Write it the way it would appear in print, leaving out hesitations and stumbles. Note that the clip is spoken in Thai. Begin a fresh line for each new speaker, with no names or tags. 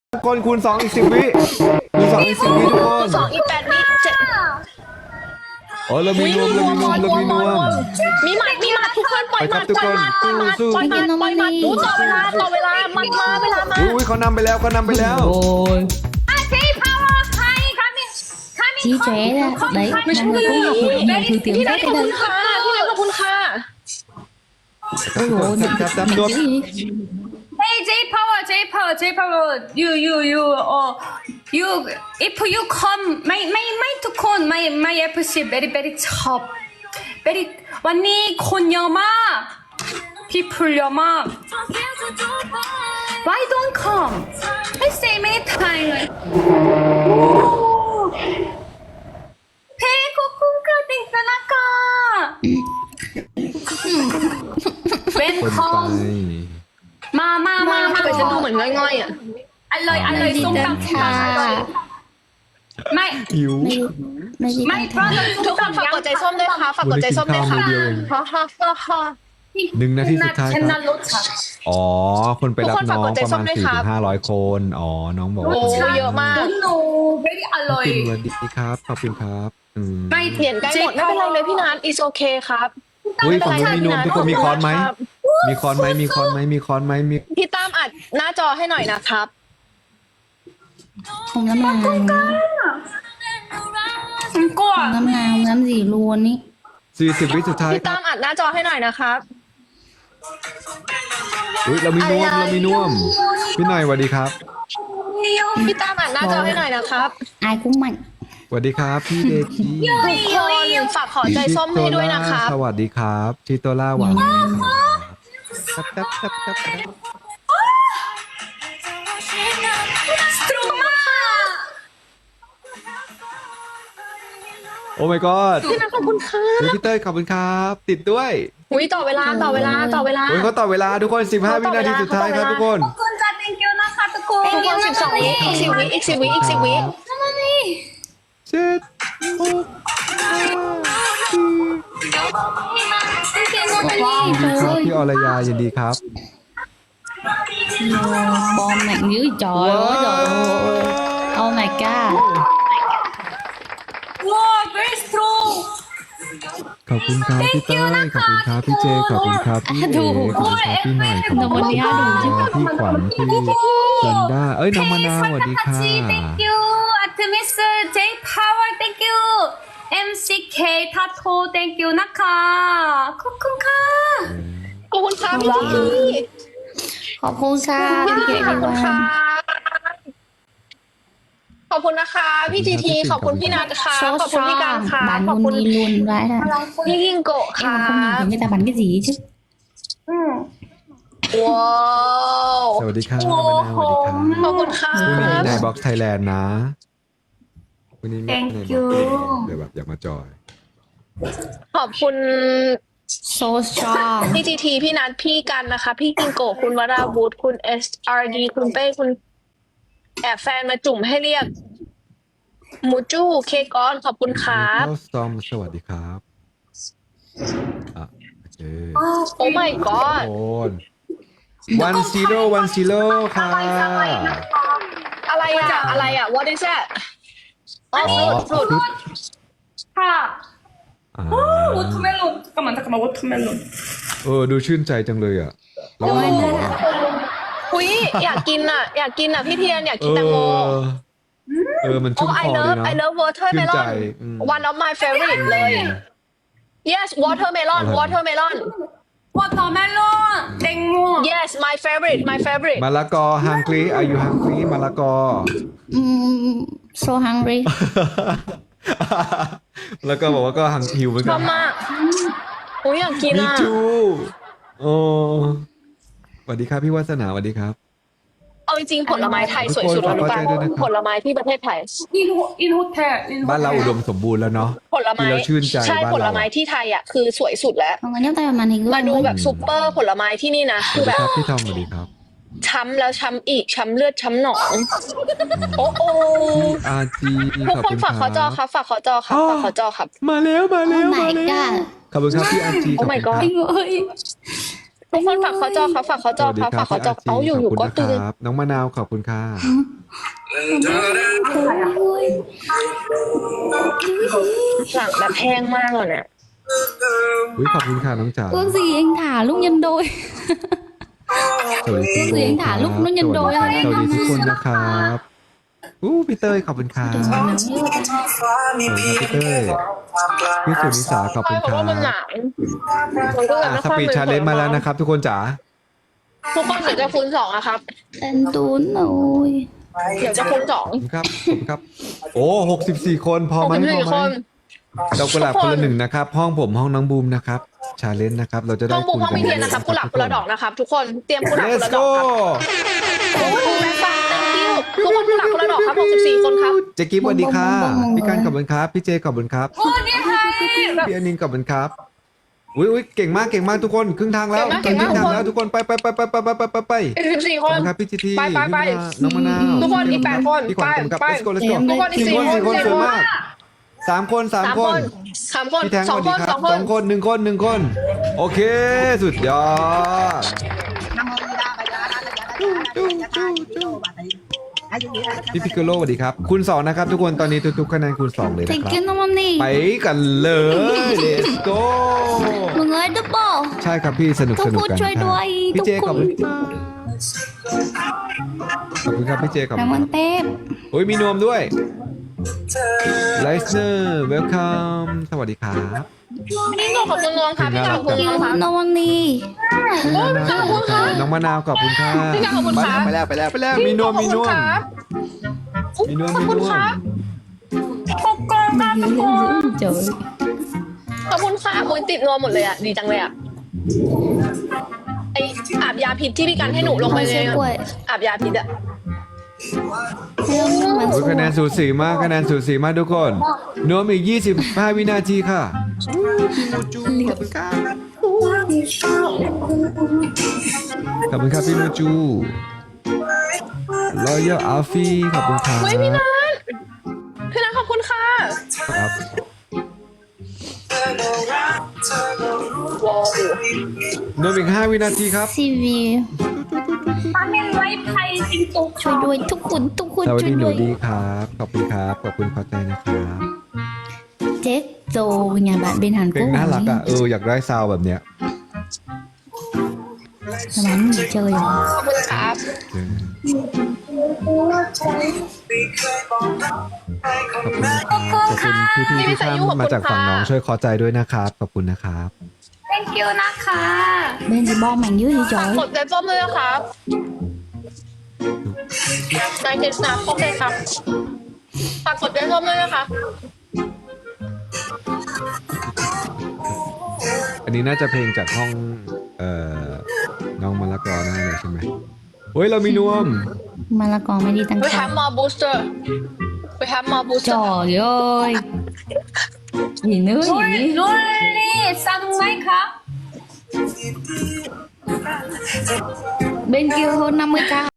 ทุกคนคูณ2อีก10 วิคูณ2อีก10 วิทุกคน
2 อีก 8 วิเจ็ด
โอ้เรามีนวม
มีหมัดทุกคนปล่อยหมัดปล่อยหมัดอู้ต่อเวลาหมัดมาเวลามา
อุ้ยเขานำไปแล้ว
โอ้ย
J Power coming
chí chế ra đấy
ไม่ใช่
mọi người cũng học được nhiều thứ tiếng
พี่นัท
Tết
ขอบ
ở
คุณ
đây
ค่ะพี่นัทขอบคุณค่ะ
ôi dồi ôi
Tap,
mình
tap.
chữ gì
Hey J Power you if you come my ทุกคน my FC very top very วันนี้คนเยอะมาก people เยอะมาก Why don't come I say many times เลยเฮ้ขอบคุณค่ะติงสนากา When
คนไป
come มา
ทำไมฉันดูเหมือนง่อยๆอ่ะ
อร่อยส้มตำค่ะไม่
หิว
ไม่ได้
ไม่
ตั้ง
เพ
ทา
ราะ
ทุกคนฝากกดใจส้มด้วยค่ะฝากกดใจส้มด้วยค่ะ
วันนี้กินข้าวมื้อเดียวเอง
ฮ่าฮ่าฮ่าฮ่า
1 นาทีสุดท้าย
ฉัน
ค
น่า
รับ
รสชาติ
อ๋อคนไปรับ
ทุกคน
น้
ฝาก
อง
กดใจ
ประ
ส้
มาณ
มด้วยครับ
400-500 คนอ๋อน้องบอกว่า
โอ้เยอะมาก
โน้ very อร่อย
สวัสดีครับขอบคุณครับ
ไม่
เหรียญใกล้หมดไม่เป็นไรเลยพี่นัท is okay ครับ
อุ้ยฝั่งนู้นมีนวมทุกคนมีค้อนไหมมีค้อนไหมมี
พี่ตั้มอัดหน้าจอให้หน่อยนะครับ
không dám làm
ฉันกลัว
không dám gì luôn ý
40 วิสุดท้าย
พี่
ครั
ตั้
บ
มอัดหน้าจอให้หน่อยนะครับ
อุ้ยเรามีนวมพี่หน่อยสวัสดีครับ
พี่ตั้มอัดหน้าจอให้หน่อยนะครับ
ai cũng mạnh
สวัสดีครับพี่เดจี
ทุกคนฝากขอใจส้มให้ด้วยนะครับ
สวัสดีครับชิโตล่าหวังครับ
สตรูมาก
โอ้ my god
พี่นัทขอบคุณค่ะ
พี่เต้ยขอบคุณครับ ติดด้วย
อุ้ยต่อเวลา
โอ้ยเขาต่อเวลาทุกคน15 วินาทีสุดท้ายครับทุกคน
ขอบคุณจ้า thank you นะคะทุกคน
ทุกคน12 วิอีก 10 วิอีก 10 วิอีก 10 วิ
เจ็ดหก
trời
พี่อรยายินดีครับ
ơi bom mạnh dữ trời ơi trời ơi oh my god
ว้าว very strong
ขอบคุณครับพี่เต้ยขอบคุณครับพี่เจขอบคุณครับพี่เอ๋ขอบคุณครับพี่หน่อยขอบคุณครับพี่ขวัญพี่จันด้าเอ้ยน้องมะนาวสวัสดีค่ะ
thank you Artemis J Power thank you MCK 타토 thank you นะคะขอบคุณค่ะ
ขอบคุณค่ะพี่จี
ขอบคุณค่ะพี่เก๋
ขอบคุณ
ดี
ค่ะ
ว่า
ขอบคุณนะคะพี่จีทีขอบคุณพี่นัทค่ะ
số
ขอบคุณพี่การค่ะ
bạn
ขอบ
luôn
คุณ
đi luôn vãi ra
พี่ยิงโกะ
em
ค่ะ
mà không nhìn thấy người ta bắn cái gì chứ
ว้าว
สวัสดีค่ะมะนาวสวัสดีค่ะ
ขอบคุณค่ะ
พรุ่งนี้ในบ็อกซ์ไทยแลนด์นะวันนี้ใน
Thank
บ็อก
you
ซ์เดี๋ยวแบบอยากมาจอย
ขอบคุณ
so strong
พี่จีทีพี่นัทพี่กันนะคะ พี่ยิงโกะคุณวราวุธคุณ SRD คุณเป้คุณแอบแฟนมาจุ่มให้เรียกมูจูเคกอนขอบคุณครับ
เจ้าซอมสวัสดีครับอ่ะโอเค
โอ้ my
โอ
god
น10ค่ะ
อะไรอ่ะ what is that อ๋อ fruit
ค่ะ
อ่า
워터멜론 잠깐만 워터멜론
ดูชื่นใจจังเลยอ่ะแล้วก็
อุ้ยอยากกินอ่ะพี่เทียนอยากกินแตงโม
มัน
โอ้
ชุ่มค
I
อเลย
love
นะ
I love
ชื่นใจ
watermelon one of my favorite เลย yes watermelon watermelon
워터멜론 땡모
yes my favorite
มะละกอฮังกี้อายุฮังกี้มะละกอ
so hungry
แล้วก็บอกว่าก็หังหิวเหมือน
ช
กั
อน บมากอุ้ยอยากกิน
มี
อ่ะ
จูโอ้สวัสดีครับพี่วัฒนาสวัสดีครับ
เอาจริงๆผลไม้ไทยสวยสุดแล้วหรือเปล่า
ขอเข้าใจด้วยนะครับ
ผลไม้ที่ประเทศไทย
in hotel in
บ้านเราอุดมสมบูรณ์แล้วเนาะ
ผลไม้
กินแล้วชื่นใจ
ใช่
บ้าน
ผล
เรา
ไม้ที่ไทยอ่ะคือสวยสุดแล้ว
mọi người nhấc tay vào màn hình
มา
luôn
ดู
với
แบบซุปเปอร์ผลไม้ที่นี่นะ
ส
คือ
วัส
แบ
ดี
บ
ครับพี่ทอมสวัสดีครับ
ช้ำแล้วช้ำอีกช้ำเลือดช้ำหนอง โอ้โห
พี่อาจี
ทุก
ขอบ
คน
คุณ
ฝากขอจอครับฝากขอจอครับฝากขอจอครับ
มาแล้ว
oh my god
ขอบคุณครับพี่อาจี
Oh my god
anh ơi
ทุกคนฝากขอจอครับฝากขอจอครับฝากขอจอเอาอยู่ๆก็ตื่น
น้องมะนาวขอบคุณค่ะ
หลังแบบแห้งมากเลยเนี่ย
อุ้ยขอบคุณค่ะน้องจ๋า
Ước gì anh thả lúc nhân đôi
สวัสดี
เสียงถามลูกนุ่นยันโดย
สวัสดีครับสวัสดีทุกคนนะครับพี่เต้ยขอบคุณครับขอบคุณครับพี่เต้ยพี่สุนิสาขอบ
ใช่
คุณ
เพ
ค
ราะ
รับ
ว่ามันหนาวมันก็เลยไม่
ส
ค่อย
ปีดชาเลนจ์มาแล้วนะครับ ทุกคนจ๋า
ทุกคนเดี๋ยวจะคูณ2นะครับ
Anh Tuấn ơi
เดี๋ยวจะคูณ
ขอบคุณครับขอบคุณครับ โอ้64 คนพอ
2
ไหมพอ
64
ไห
ค
ม
น
ดอกกุหลาบคนละหนึ่งนะครับ ห้องผมห้องน้องบูมนะครับชาเลนจ์นะครับ เราจะได้
ห้องบุก
คูณ
ห้อง
กัน
มีเทียนนะครับกุหลาบคนละดอกนะครับ ทุกคนเตรียมกุหลาบคน
Let's
ละดอก
go
ครับขอบคุณแม่ปัง thank you ทุกคนกุหลาบคนละดอกครับ64 คนครับ
เจ๊กิ๊บสวัสดีค่ะพี่การขอบคุณครับพี่เจขอบคุณครับ
โอ้เนี่ยค่ะ
พี่อนินขอบคุณครับอุ้ยเก่งมากทุกคนครึ่งทางแล้ว
เก่งมาก
ครึ่งทางแล้วทุกคนไป
14
ข
ค
อบ
น
คุณครับพี่จีที
ไป
น้องมะนาว
ทุกคนอีก8 คน
พี่ขวัญขอบคุณครับ
ไป
let's go let's go
ทุกคนอีก
4 คน
4 คน
สวยมาก3 คน
3
3
ค
คน
น 3 คน
พี่แทงสวัส
2
ดี
คน
ครับ
2 คน
2 คน1 คนโอเคสุดยอดพี่พิกโกโลสวัสดีครับคูณ2นะครับทุกคนตอนนี้ทุกๆคะแนนคูณ2เลยนะค
Thank
รับ
you Nam Ni
ไปกันเลย let's go
Mọi người double
ใช่ครับพี่สนุก
ทุกคน
กัน
ช่วยด้วย
พี่เจ
ทุก
ข
ค
อบ
น
คุณขอบคุณครับพี่เจขอบคุณ
Cảm ơn Tép
โอ้ยมีนวมด้วยไลซ์เนอร์เวลคัมสวัสดีครับ
พี่ขอบคุณน้องครับพี่ขอบคุณ
Thank
น้อง
you
ครับ
Nam Ni
น้องมะนาวขอบคุณค่ะ
พี่ขอบคุณครับ
ไปแล้วมีนวม
ขอบคุณครับ
มีนวม
ขอบคุณครับ
ปกกองกันทุกคน
Trời
ขอบคุณค่ะมุ้ยติดนวมหมดเลยอ่ะดีจังเลยอ่ะไออาบยาพิษที่พี่กันให้หนูลงไป
Con
ใน
sẽ quậy
อาบยาพิษอ่ะ
Hello các bạn
โอ้ยคะแนนสูสีมากทุกคนนวมอีก25 วินาทีค่ะขอบคุณครับพี่มูจูรอยัลอาฟี่ขอบคุณครับ
เฮ้ยพี่นัทขอบคุณค่ะ
ครับ
ว้าวน
วมอีก5 วินาทีครับ
CV
ตอนนี้ไลฟ์ไทยจริงตุ๊ก
ช่วยด้วยทุกคน
สวัส
ช่ว
ดี
ย
หนู
ด้วย
ดีครับขอบคุณครับขอบคุณพอใจนะครับ
Chết rồi nhà bạn bên Hàn
เพล
Quốc
งน่ารัก
này
อ่ะอยากได้ซาวด์แบบเนี้ย
Nó bán gì chơi à
ขอบคุณครับ
ขอบคุณพี่ๆที่ท่านมาจากฝั่งน้องช่วยขอใจด้วยนะครับขอบคุณนะครับ
thank you นะคะ
Bên gì bom mảnh dưới gì
ฝาก
trời
กดใจส้มด้วยนะครับนายเจสนาโอเคครับฝากกดใจส้มด้วยนะคะ
อันนี้น่าจะเพลงจากห้องน้องมะละกอแน่เลยใช่ไหมเฮ้ยเรามีนวม
Mà là còn mới đi tăng
We
cao
have more booster We have more booster
Trời ơi Gì nữa
โรล
gì
โรลลี่สั่งไหมคะ
Bên kia hơn 50k